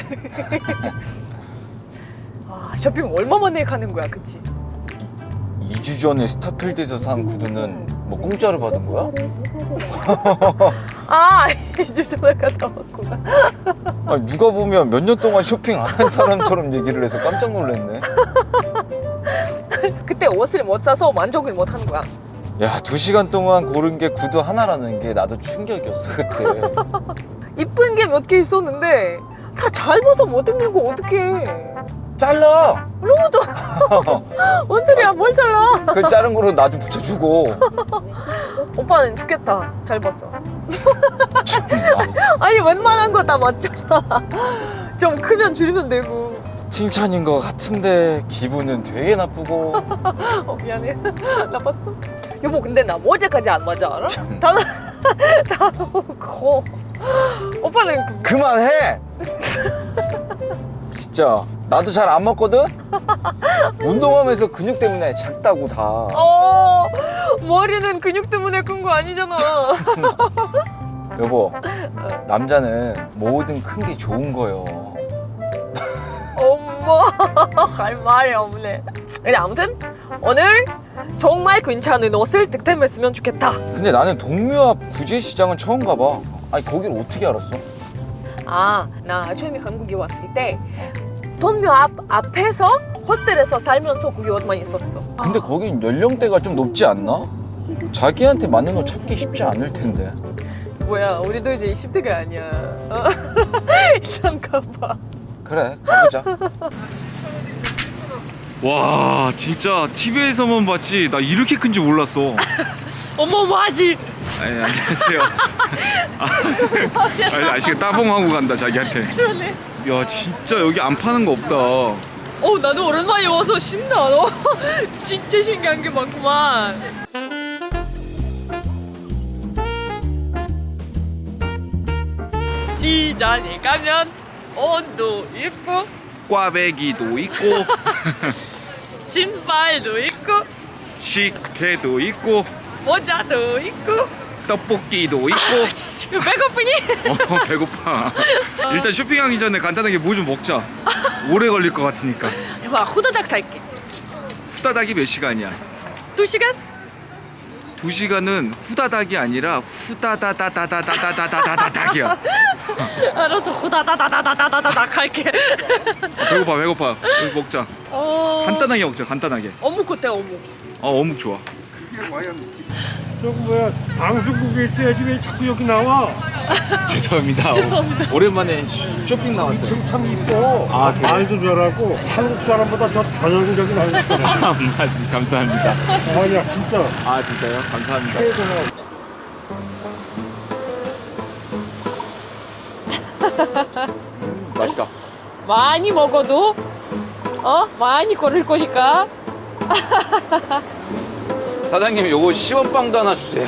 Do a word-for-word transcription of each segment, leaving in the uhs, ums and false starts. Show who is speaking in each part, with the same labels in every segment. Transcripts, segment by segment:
Speaker 1: 아, 쇼핑 얼마 만에 가는 거야, 그치?
Speaker 2: 이 주 전에 스타필드에서 산 구두는 뭐 공짜로 받은 거야?
Speaker 1: 아, 이 주 전에 갔다 왔구나.
Speaker 2: 아니, 누가 보면 몇 년 동안 쇼핑 안 한 사람처럼 얘기를 해서 깜짝 놀랐네.
Speaker 1: 그때 옷을 못 사서 만족을 못 하는 거야.
Speaker 2: 야, 두 시간 동안 고른 게 구두 하나라는 게 나도 충격이었어 그때.
Speaker 1: 이쁜 게 몇 개 있었는데 다 잘 봐서 못 입는 거 어떡해.
Speaker 2: 잘라!
Speaker 1: 너무 더 뭔 소리야, 뭘 잘라.
Speaker 2: 그 자른 거로 나 좀 붙여주고.
Speaker 1: 오빠는 죽겠다, 잘 봤어.
Speaker 2: 참나.
Speaker 1: 아니 웬만한 거 다 맞잖아. 좀 크면 줄이면 되고.
Speaker 2: 칭찬인 것 같은데 기분은 되게 나쁘고.
Speaker 1: 어, 미안해. 나빴어? 여보, 근데 나 모자까지 안 맞아, 알아?
Speaker 2: 참.
Speaker 1: 다, 다 커. 오빠는 그-
Speaker 2: 그만해! 진짜 나도 잘 안 먹거든? 운동하면서 근육 때문에 작다고 다.
Speaker 1: 어, 머리는 근육 때문에 큰 거 아니잖아.
Speaker 2: 여보, 남자는 뭐든 큰 게 좋은 거요.
Speaker 1: 엄마, 할 말이 없네. 근데 아무튼 오늘 정말 괜찮은 옷을 득템했으면 좋겠다.
Speaker 2: 근데 나는 동묘 앞 구제시장은 처음 가봐. 아니 거길 어떻게 알았어?
Speaker 1: 아, 나 처음에 한국에 왔을 때 동묘 앞 앞에서 호스텔에서 살면서 거기 옷만 있었어.
Speaker 2: 근데 거긴 연령대가 좀 높지 않나? 자기한테 맞는 옷 찾기 쉽지 않을 텐데.
Speaker 1: 뭐야, 우리도 이제 이십 대가 아니야. 어? 일단 가봐.
Speaker 2: 그래, 가보자.
Speaker 3: 와 진짜 티비에서만 봤지 나 이렇게 큰지 몰랐어.
Speaker 1: 어머, 맞지?
Speaker 3: 아니, 안녕하세요. 아, 아니, 아저씨가 따봉하고 간다 자기한테.
Speaker 1: 그러네.
Speaker 3: 야 진짜 여기 안 파는 거 없다.
Speaker 1: 어, 나도 오랜만에 와서 신나. 너 진짜 신기한 게 많구만. 시장에 가면 옷도 있고
Speaker 3: 꽈배기도 있고
Speaker 1: 신발도 있고
Speaker 3: 식혜도 있고
Speaker 1: 모자도 있고.
Speaker 3: 떡볶이도 있고.
Speaker 1: 아, 진짜 배고프니?
Speaker 3: 어 배고파. 일단 쇼핑하기 전에 간단하게 뭐 좀 먹자. 오래 걸릴 것 같으니까.
Speaker 1: 와, 후다닥 살게.
Speaker 3: 후다닥이 몇 시간이야?
Speaker 1: 두 시간?
Speaker 3: 두 시간은 후다닥이 아니라 후다다다다다다다다다닥이야.
Speaker 1: 알아서 후다다다다다다다닥 할게.
Speaker 3: 배고파 배고파. 여기 먹자.
Speaker 1: 어...
Speaker 3: 간단하게 먹자 간단하게.
Speaker 1: 어묵 어때, 어묵?
Speaker 3: 어 어묵 좋아.
Speaker 4: 저거 뭐야, 방송국에 있어야지 왜 자꾸 여기 나와?
Speaker 3: 죄송합니다.
Speaker 1: 죄송합니다.
Speaker 3: 오랜만에 쇼핑 나왔어요.
Speaker 4: 지금 참 이뻐.
Speaker 3: 아, 그래요?
Speaker 4: 말도 잘하고 한국 사람보다 더 전형적인 한국 사람.
Speaker 3: 아, 감사합니다.
Speaker 4: 아니야 진짜.
Speaker 3: 아 진짜요? 감사합니다.
Speaker 2: 맛있다.
Speaker 1: 많이 먹어도 어? 많이 걸을 거니까.
Speaker 2: 사장님 요거 시원빵도 하나 주세요.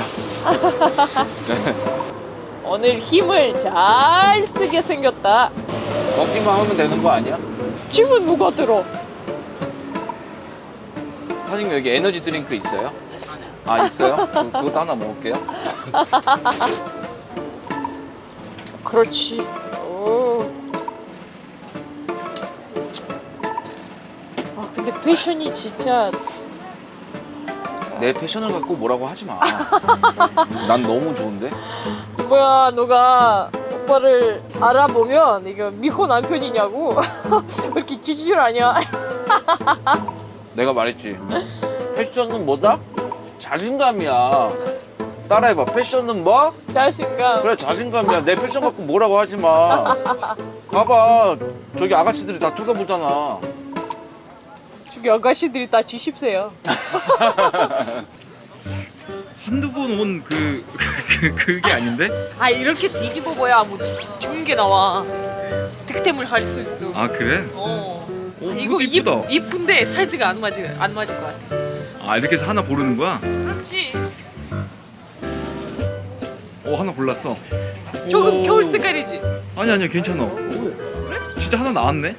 Speaker 1: 오늘 힘을 잘 쓰게 생겼다.
Speaker 2: 걷기만 하면 되는 거 아니야?
Speaker 1: 짐은 누가 들어?
Speaker 2: 사장님 여기 에너지 드링크 있어요? 아 있어요? 그, 그것도 하나 먹을게요.
Speaker 1: 그렇지. 오. 아, 근데 패션이 진짜.
Speaker 2: 내 패션을 갖고 뭐라고 하지 마. 난 너무 좋은데?
Speaker 1: 뭐야, 너가 오빠를 알아보면 이거 미혼 남편이냐고. 왜 이렇게 지질하냐?
Speaker 2: 내가 말했지. 패션은 뭐다? 자신감이야. 따라해봐. 패션은 뭐?
Speaker 1: 자신감.
Speaker 2: 그래 자신감이야. 내 패션 갖고 뭐라고 하지 마. 봐봐. 저기 아가씨들이 다 쳐다보잖아.
Speaker 1: 저기 아가씨들이 다 지십세요.
Speaker 3: 한두 번 온 그 그, 그게 아닌데?
Speaker 1: 아, 이렇게 뒤집어 봐야 뭐 지- 좋은 게 나와. 득템을 할 수 있어.
Speaker 3: 아 그래?
Speaker 1: 어.
Speaker 3: 오,
Speaker 1: 아,
Speaker 3: 이거
Speaker 1: 이거
Speaker 3: 이쁘다.
Speaker 1: 이, 이쁜데 사이즈가 안 맞을 안 맞을 것 같아.
Speaker 3: 아 이렇게 해서 하나 고르는 거야?
Speaker 1: 그렇지.
Speaker 3: 어 하나 골랐어.
Speaker 1: 조금
Speaker 3: 오.
Speaker 1: 겨울 색깔이지.
Speaker 3: 아니 아니야 괜찮아. 오, 진짜 하나 나왔네.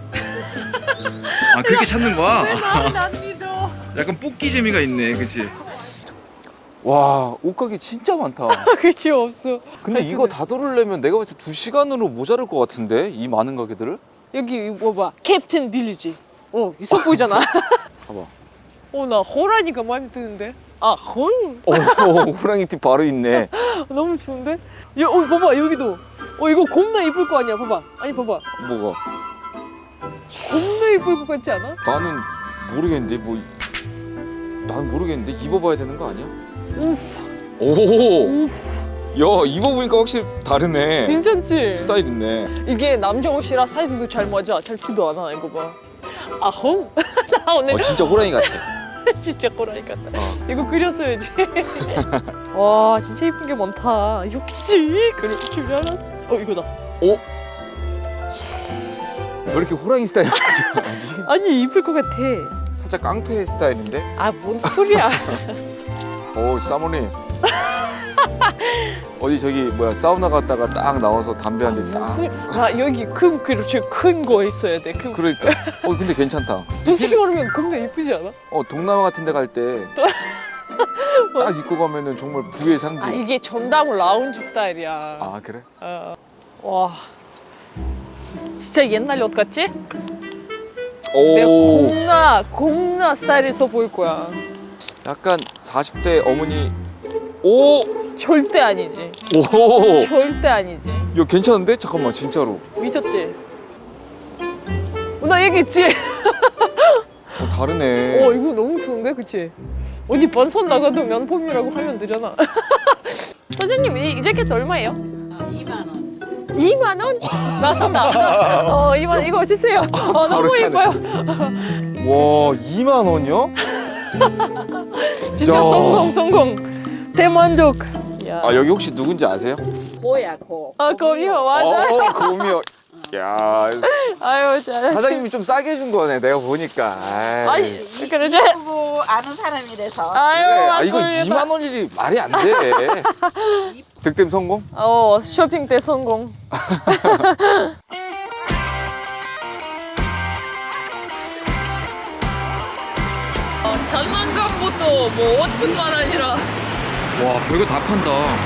Speaker 3: 아 그렇게 찾는 거야?
Speaker 1: 왜 나를 안 믿어?
Speaker 3: 약간 뽑기 재미가 있네, 그렇지?
Speaker 2: 와 옷가게 진짜 많다.
Speaker 1: 그치 없어.
Speaker 2: 근데 이거 다 돌으려면 내가 봤을 때 두 시간으로 모자랄 것 같은데 이 많은 가게들을?
Speaker 1: 여기 뭐 봐. 캡틴 빌리지. 어 있어 보이잖아.
Speaker 2: 봐봐.
Speaker 1: 어 나 호랑이가 마음에 드는데. 아 혼?
Speaker 2: 오 호랑이 티 바로 있네.
Speaker 1: 너무 좋은데? 야, 어 봐봐 여기도. 어 이거 겁나 이쁠 거 아니야? 봐봐. 아니 봐봐.
Speaker 2: 뭐가?
Speaker 1: 겁나 이쁠 것 같지 않아?
Speaker 2: 나는 모르겠는데 뭐 나는 모르겠는데 입어봐야 되는 거 아니야?
Speaker 1: 우프.
Speaker 2: 오.
Speaker 1: 우프.
Speaker 2: 야 입어보니까 확실히 다르네.
Speaker 1: 괜찮지?
Speaker 2: 스타일 있네.
Speaker 1: 이게 남자 옷이라 사이즈도 잘 맞아. 잘 티도 안 나. 이거 봐. 아 홈? 나 오늘
Speaker 2: 어 진짜 호랑이 같아.
Speaker 1: 진짜 호랑이 같다.
Speaker 2: 어.
Speaker 1: 이거 그렸어야지. 와 진짜 이쁜 게 많다. 역시 그럴 줄 알았어. 어 이거다.
Speaker 2: 오? 왜 이렇게 호랑이 스타일 하지?
Speaker 1: 아니 이쁠 것 같아.
Speaker 2: 살짝 깡패 스타일인데?
Speaker 1: 아 뭔 소리야.
Speaker 2: 오 사모님. 어디 저기 뭐야 사우나 갔다가 딱 나와서 담배 한 대 딱.
Speaker 1: 나 여기 큰 그렇지 큰 거 있어야 돼. 큰.
Speaker 2: 그러니까. 어 근데 괜찮다.
Speaker 1: 솔직히 말하면 겁나 이쁘지 않아?
Speaker 2: 어 동남아 같은 데 갈 때 딱 입고 가면은 정말 부의 상징.
Speaker 1: 아 이게 전담 라운지 스타일이야.
Speaker 2: 아 그래?
Speaker 1: 어. 와 진짜 옛날 옷 같지? 내가
Speaker 2: 오
Speaker 1: 겁나 겁나 스타일 있어 보일 거야.
Speaker 2: 약간 사십 대 어머니 오!
Speaker 1: 절대 아니지.
Speaker 2: 오!
Speaker 1: 절대 아니지.
Speaker 2: 이거 괜찮은데? 잠깐만 진짜로
Speaker 1: 미쳤지? 어, 나 얘기했지?
Speaker 2: 어, 다르네.
Speaker 1: 어 이거 너무 좋은데 그치? 어디 번선 나가도 면폼이라고 하면 되잖아. 선생님 이, 이 자켓 얼마예요?
Speaker 5: 이만 원.
Speaker 1: 이만 원? 나 산다. 어 이만 원 이거 주세요. 어, 너무
Speaker 2: 사네.
Speaker 1: 예뻐요.
Speaker 2: 와 이만 원이요?
Speaker 1: 진짜
Speaker 2: 야.
Speaker 1: 성공 성공. 대만족. 야.
Speaker 2: 아 여기 혹시 누군지 아세요?
Speaker 5: 고야 고.
Speaker 1: 아 거기요 맞아.
Speaker 2: 어 고미요. 야
Speaker 1: 아유 잘했어.
Speaker 2: 사장님이 좀 싸게 해준 거네 내가 보니까. 아이.
Speaker 1: 아니 그러지?
Speaker 5: 뭐 아는 사람이라서.
Speaker 1: 아유
Speaker 2: 그래. 아 이거
Speaker 1: 맞습니다.
Speaker 2: 이만 원이 말이 안 돼. 득템 성공?
Speaker 1: 어 쇼핑 때 성공. 어, 장난감부터 뭐 옷뿐만 아니라
Speaker 3: 와 별거 다 판다.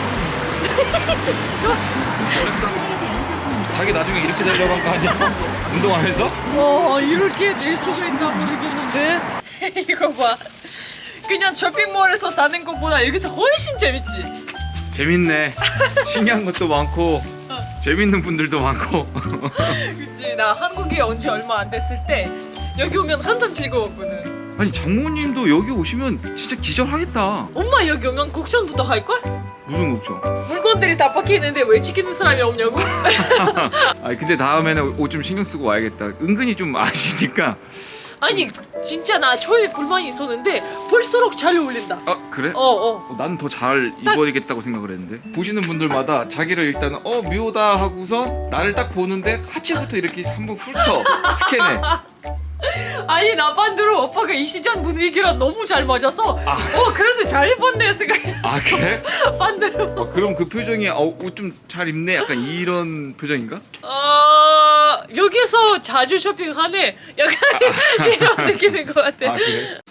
Speaker 3: 자기 나중에 이렇게 되려고 한 거 아니야? 운동하면서?
Speaker 1: 와 이렇게 될 수가 있나 모르겠는데. 이거 봐. 그냥 쇼핑몰에서 사는 것보다 여기서 훨씬 재밌지.
Speaker 3: 재밌네. 신기한 것도 많고 재밌는 분들도 많고.
Speaker 1: 그치 나 한국에 온 지 얼마 안 됐을 때 여기 오면 항상 즐거웠거든.
Speaker 3: 아니 장모님도 여기 오시면 진짜 기절하겠다.
Speaker 1: 엄마 여기 오면 곡션부터 할걸?
Speaker 3: 무슨 걱정?
Speaker 1: 물건들이 다 박혀 있는데 왜 지키는 사람이 없냐고?
Speaker 3: 아니 근데 다음에는 옷 좀 신경 쓰고 와야겠다. 은근히 좀 아시니까.
Speaker 1: 아니 진짜 나 처음에 불만이 있었는데 볼수록 잘 어울린다.
Speaker 3: 아 그래?
Speaker 1: 어어.
Speaker 3: 어, 나는 더 잘 입어야겠다고 생각을 했는데 보시는 분들마다 자기를 일단 어 묘다 하고서 나를 딱 보는데 하체부터 이렇게 한번 훑어 스캔해.
Speaker 1: 아니 나 반대로 오빠가 이 시장 분위기랑 너무 잘 맞아서 어 그래도 잘 입었네 생각했어.
Speaker 3: 아 그래?
Speaker 1: 반대로.
Speaker 3: 어, 그럼 그 표정이 어, 옷 좀 잘 입네 약간 이런 표정인가?
Speaker 1: 어 여기서 자주 쇼핑하네. 약간 이런 느낌인 것 같아.
Speaker 3: 아 그래?